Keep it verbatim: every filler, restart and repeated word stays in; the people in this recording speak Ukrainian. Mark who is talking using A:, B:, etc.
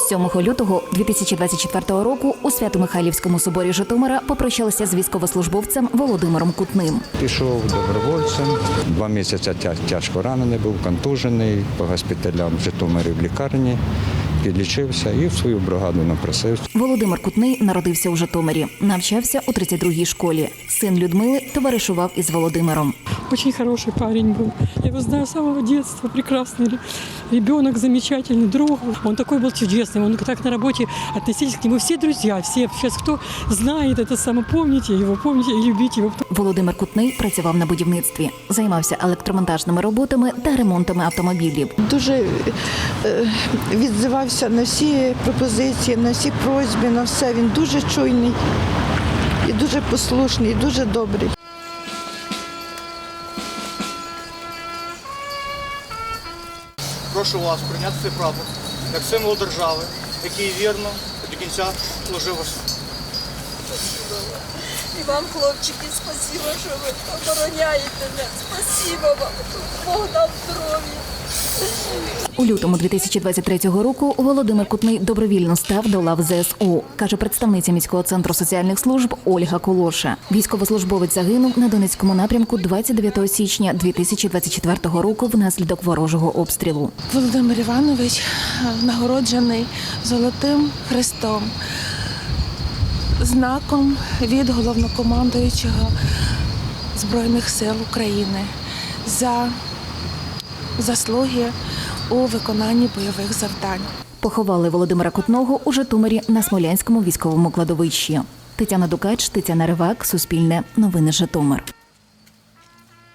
A: сьомого лютого дві тисячі двадцять четвертого року у Свято-Михайлівському соборі Житомира попрощалися з військовослужбовцем Володимиром Кутним.
B: Пішов добровольцем, два місяці тя- тяжко ранений був, контужений, по госпіталям в Житомирі в лікарні, підлічився і в свою бригаду напросився.
A: Володимир Кутний народився у Житомирі, навчався у тридцять другій школі. Син Людмили товаришував із Володимиром.
C: Очень хороший парень был. Я его знаю с самого детства. Прекрасный ребенок, замечательный друг. Он такой был чудесный. Он так на работе относились к нему все друзья. Все сейчас, кто знает это само, помните его, помните и любите его.
A: Володимир Кутний працював на будівництві, займався електромонтажними роботами та ремонтами автомобілів.
D: Дуже е, відзивався на всі пропозиції, на всі просьби, на все. Він дуже чуйний і дуже послушний, і дуже добрий.
E: Прошу вас прийняти цей прапор як символ держави, який вірно до кінця служив вас.
F: І вам, хлопчики, спасибо, що ви обороняєте мене. Спасибо вам. Бог дав здоров'я.
A: У лютому дві тисячі двадцять третього року Володимир Кутний добровільно став до лав зе ес у, каже представниця міського центру соціальних служб Ольга Колоша. Військовослужбовець загинув на Донецькому напрямку двадцять дев'ятого січня дві тисячі двадцять четвертого року внаслідок ворожого обстрілу.
G: Володимир Іванович нагороджений Золотим Хрестом, знаком від головнокомандуючого Збройних сил України за заслуги у виконанні бойових завдань.
A: Поховали Володимира Кутного у Житомирі на Смолянському військовому кладовищі. Тетяна Дукач, Тетяна Ривак, Суспільне, Новини Житомир.